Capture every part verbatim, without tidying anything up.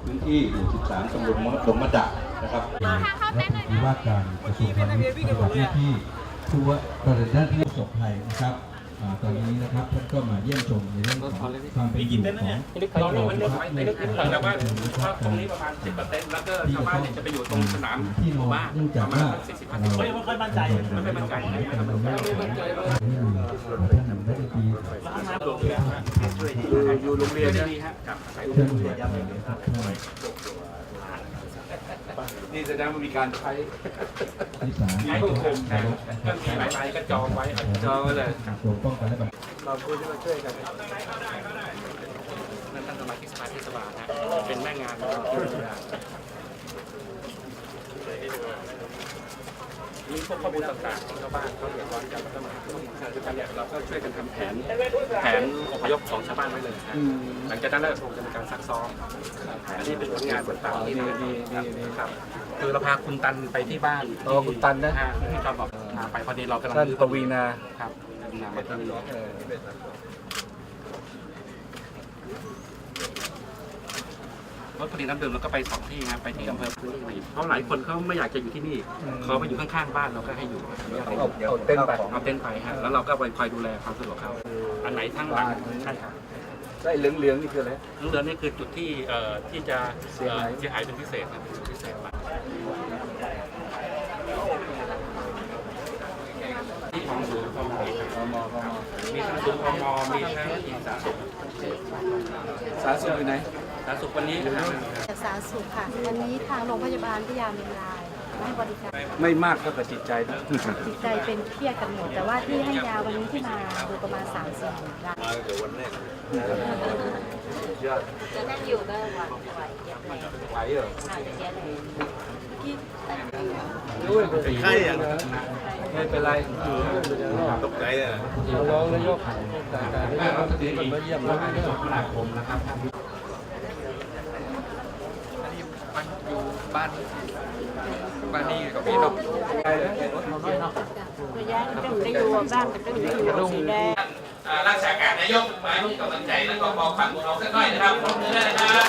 พื้นที่หมู่สิบสามตำบลหลวงมะดะนะครับและว่าการกระทรวงพาณิชย์ปฏิบัติหน้าที่ผู้ว่าประเด็นด้านที่ประสบภัยนะครับตอนนี้นะครับท่านก็มาเยี่ยมชมในเรื่องของความเป็นอยู่ของเราลงมันเลือกในลึกๆแต่ว่าตรงนี้ประมาณสิบเปอร์เซ็นต์แล้วก็ชาวบ้านเนี่ยจะไปอยู่ตรงสนามที่หมู่บ้านประมาณสี่สิบห้าสิบคนไม่ค่อยมั่นใจไม่ค่อยมั่นใจไม่ค่อยมั่นใจอยู่โรงเรียนนี่ฮะกับใส่โรงเรียนนี่แสดงว่ามีการใช้ใช้ควบคุมแต่ก็มีหลายๆก็จองไว้จองไว้เลยเราคุยที่เราช่วยกันนั่นท่านสมาชิกสภาเทศบาลนะเป็นแม่งานมีพวกข้อมูลต่างๆของชาวบ้านเขาเดือดร้อนจากปัญหาคือการเราก็ช่วยกันทำแผนแผนอพยพของชาวบ้านไว้เลยหลังจากนั้นเราคงจะมีการซักซ้อมอันนี้เป็นผลงานต่างๆที่ดีๆครับคือเราพาคุณตันไปที่บ้านอ๋อคุณตันนะที่เราบอกไปพอดีเรากำลังท่านปวีนาครับมาที่นี่รถผลิตน้ำดื่มแล้วก็ไปสองที่นะไปที่อำเภอพื้นที่เพราะหลายคนเขาไม่อยากจะอยู่ที่นี่เขาไปอยู่ข้างๆบ้านเราก็ให้อยู่เอาเต้นไปเอาเต้นไปฮะแล้วเราก็ไปคอยดูแลความสะดวกเขาอันไหนทั้งหลังใช่ครับไอ้เหลืองๆนี่คืออะไรเหลืองๆนี่คือจุดที่เอ่อที่จะเสียหายเสียหายเป็นพิเศษนะพิเศษมากที่ของศูนย์พมมีทั้งศูนย์พมมีทั้งทีมสาธารณสุขสาธารณสุขอยู่ไหนสาธารณสุขวันนี้นะครับสาธารณสุขค่ะวันนี้ทางโรงพยาบาลพยาเมรายให้บริการไม่มากเท่ากับจิตใจนะจิตใจเป็นเครียดกันหมดแต่ว่าที่ให้ยาวันนี้ที่มาดูประมาณสามสี่รายมาแต่วันแรกจะนั่งอยู่ก็ไหวไหวไหวเหรอที่ไข้ยังไม่เป็นไรตกใจเลยร้องแล้วยกเอาสติมาเยี่ยมแล้วจบหลักผมนะครับอยู่บ้านบ้านนี่กับพี่นกระยะต้องไปอยู่บ้านต้องไปอยู่สีแดงรักษาการนายกมาให้กำลังใจแล้วก็บอกฝังของเราสักหน่อยนะครับพร้อมมือได้นะครับ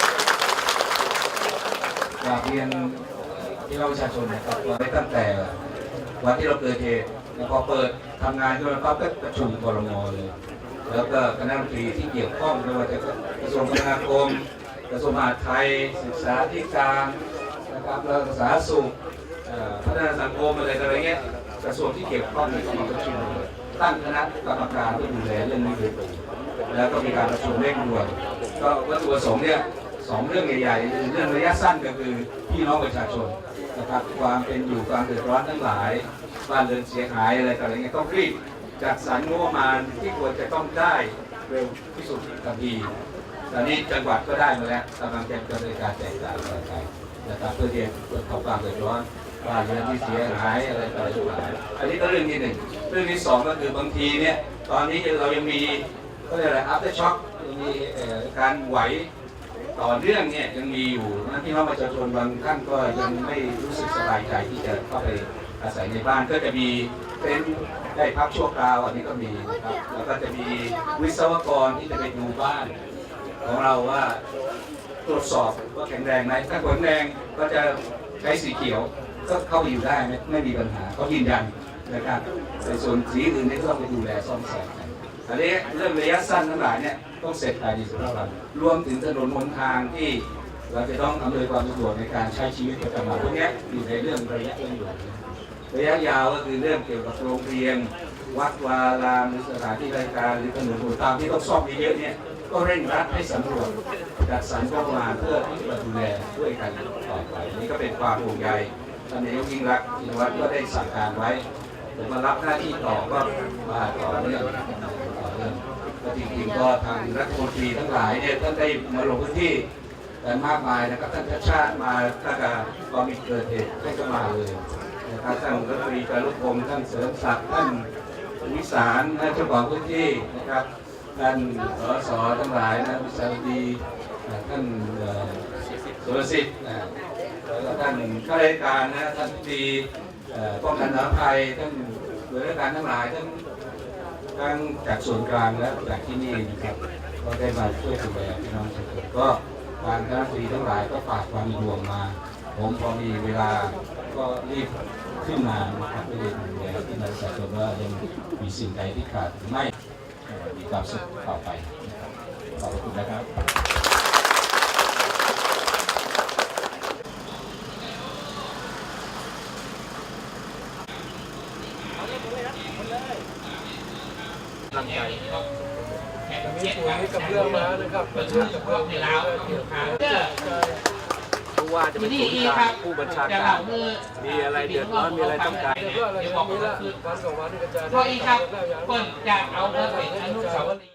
อยากเรียนที่เราประชาชนนะครับว่าตั้งแต่วันที่เราเกิดเหตุพอเปิดทำงานก็เราก็ประชุมครม.เลยแล้วก็คณะรัฐมนตรีที่เกี่ยวข้องไม่ว่าจะกระทรวงคมนาคมกระทรวงมหาดไทยศึกษาธิการนะครับแล้วสาธารณสุขพัฒนาสังคมอะไรอะไรเงี้ยกระทรวงที่เกี่ยวข้องในที่ประชุมตั้งคณะกรรมการที่ดูแลเรื่องนี้โดยตรงแล้วก็มีการประชุมเร่งด่วนก็วัตถุประสงค์เนี่ยสองเรื่องใหญ่ๆเรื่องระยะสั้นก็คือพี่น้องประชาชนนะครับความเป็นอยู่ความเดือดร้อนทั้งหลายบ้านเรือนเสียหายอะไรต่างๆเนี่ยต้องรีบจัดสรรงบประมาณที่ควรจะต้องได้เร็วที่สุดทันทีตอนนี้จังหวัดก็ได้มาแล้วกำลังจะดำเนินการแจกจ่ายอะไรไปนะครับเพื่อที่จะลดความเดือดร้อนบ้านเรือนที่เสียหายอะไรต่างๆอันนี้ก็เรื่องที่หนึ่งเรื่องที่สองก็คือบางทีเนี่ยตอนนี้เรายังมีก็เรียกอะไร after shock ยังมีการไหวต่อเนื่องเนี่ยยังมีอยู่นะที่น้องประชาชนบางท่านก็ยังไม่รู้สึกสบายใจที่จะเข้าไปอาศัยในบ้านก็จะมีเป็นได้พักชั่วคราวอันนี้ก็มีนะครับแล้วก็จะมีวิศวกรที่จะไปดูบ้านของเราว่าตรวจสอบว่าแข็งแรงไหมถ้าแข็งแรงก็จะใช้สีเขียวก็เข้าไปอยู่ได้ไม่ไม่มีปัญหาเขายืนยันนะครับในส่วนสีอื่นนี่ก็ต้องไปดูแลซ่อมแซมกันอันนี้เรื่องระยะสั้นทั้งหลายเนี่ยต้องเสร็จภายในสิบห้าวันรวมถึงถนนหนทางที่เราจะต้องอำนวยความสะดวกในการใช้ชีวิตประจำวันพวกนี้อยู่ในเรื่องระยะเร่งด่วนระยะยาวก็คือเรื่องเกี่ยวกับโรงเรียนวัดวารามหรือสถานที่ราชการหรือถนนหนทางที่ต้องซ่อมเยอะๆเนี่ยก็เร่งรัดให้สำรวจจัดสรรงบประมาณเพื่อที่จะดูแลด้วยกันต่อไปนี่ก็เป็นความห่วงใยท่านนายกยิ่งรักชินวัตรก็ได้สั่งการไว้ผมมารับหน้าที่ต่อก็มาต่อเนื่องต่อเนื่องก็จริงๆก็ทางรัฐมนตรีทั้งหลายเนี่ยท่านได้มาลงพื้นที่กันมากมายนะครับท่านชาติมาตั้งแต่ตอนมีเกิดเหตุท่านก็มาเลยนะครับท่านรัฐมนตรีจารุพงศ์ท่านเสริมศักดิ์ท่านวิสารท่านเจ้าของพื้นที่นะครับท่านสสทั้งหลายนะวิสารดีท่านสุรสิทธิ์แล้วท่านข้าราชการนะท่านตีป้องกันอัคคีภัยท่านหน่วยราชการทั้งหลายทั้งทั้งจากส่วนกลางและจากที่นี่นะครับก็ได้มาช่วยดูแลพี่น้องทุกคนก็ทางคณะรัฐมนตรีทั้งหลายก็ฝากความเป็นห่วงมา ผมพอมีเวลาก็รีบขึ้นมานะครับเพื่อจะดูแลที่นักศึกษาชนว่ายังมีสิ่งใดที่ขาดหรือไม่เอ่อมีความสุขต่อไปนะครับขอบคุณนะครับร่างกายมีปุ๋ยกับเรื่องมานะครับกับเรื่องในลาวเกี่ยวกับผู้ว่าจะเป็นศูนย์กลางผู้บัญชาการ มีอะไรเดือดร้อนมีอะไรต้องการเรื่องอะไรมีละวันสองวันที่กระจายพออีกครับเปิ้ลจะเอาเงินไปอนุสาวรีย์